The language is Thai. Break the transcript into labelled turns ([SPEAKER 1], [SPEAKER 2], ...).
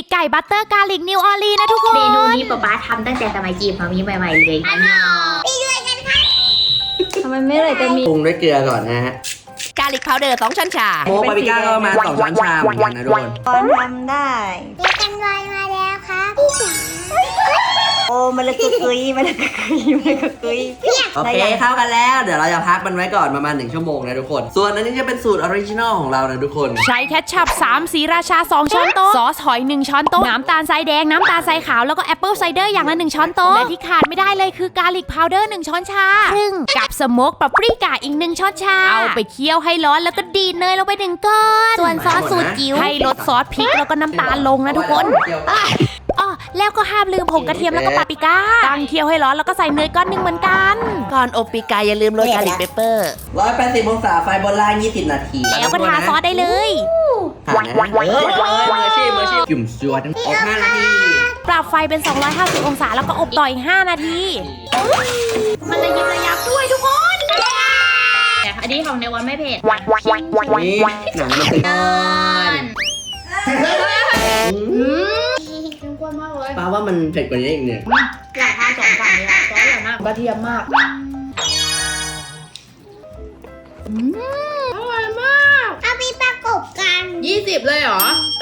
[SPEAKER 1] ไก่บัตเตอร์กาลิกนิวออร์ลีนะทุกคน
[SPEAKER 2] เมนูนี้ป๊าทำตั้งแต่สมัยจีบมามีใหม่ๆเลย
[SPEAKER 3] ทำไมไม่เลยจะมี
[SPEAKER 4] ปรุงด้วยเกลือก่อนนะฮะ
[SPEAKER 1] กาลิกพาวเดอร์2ช้อนชา
[SPEAKER 4] โมปาปริก้าก็ประมาณ2ช้อนชาเหมือนกันนะทุกคน
[SPEAKER 3] ตอนทำได้
[SPEAKER 2] เรียกกันไวมาแล้วครับพี่จ๋า
[SPEAKER 3] โอ้มันเลยกุยมันเลยกุย
[SPEAKER 4] โอเคเข้ากันแล้วเดี๋ยวเราจะพักมันไว้ก่อนประมาณ1ชั่วโมงนะทุกคนส่วนอันนี้จะเป็นสูตรออริจินอลของเรานะทุกคน
[SPEAKER 1] ใช้แคชชัพ3สีราชา2ช้อนโต๊ะซอสหอย1ช้อนโต๊ะน้ำตาลทรายแดงน้ำตาลทรายขาวแล้วก็แอปเปิลไซเดอร์อย่างละ1ช้อนโต๊ะและที่ขาดไม่ได้เลยคือกาลิกพาวเดอร์1ช้อนชาครึ่งกับสโมกปาปริก้าอีก1ช้อนชาเอาไปเคี่ยวให้ร้อนแล้วก็ดีดเนยลงไป1ก้อนส่วนซอสสูตรจิ๋วให้ลดซอสพริกแล้วก็น้ำตาลลงนะทุกคนอ๋อแล้วก็ห้ามลืมผงกระเทียมแล้วก็ปาปริก้าตั้งเคี่ยวให้ร้อนแล้วก็ใส่เนยก้อนหนึ่งเหมือนกันก่อนอบปีกาอย่าลืมโรยกาลิกเปเปอร์
[SPEAKER 4] 180องศาไฟบนล่าง20นาที
[SPEAKER 1] แล้วก็ทาซอสได้เลย
[SPEAKER 4] ผ่านนะมืออาชีพจุ่มจวดอบ5นาที
[SPEAKER 1] ปรับไฟเป็น250องศาแล้วก็อบต่ออีก5นาที
[SPEAKER 2] มันระยิบระยับด้วยทุกคนอันนี้ของในวันไม่เผ็ด
[SPEAKER 4] นี่หนังมันตึง
[SPEAKER 2] เข้มข้นมากเลย
[SPEAKER 4] ป้าว่ามันเผ็ดกว่านี้อีกเนี่ย
[SPEAKER 2] อยากทาน2 ฝั่งเลยอะซอสอย่างมากกระเทียมมากอร่อยมากเอาไปประกบกัน20เลยเหรอ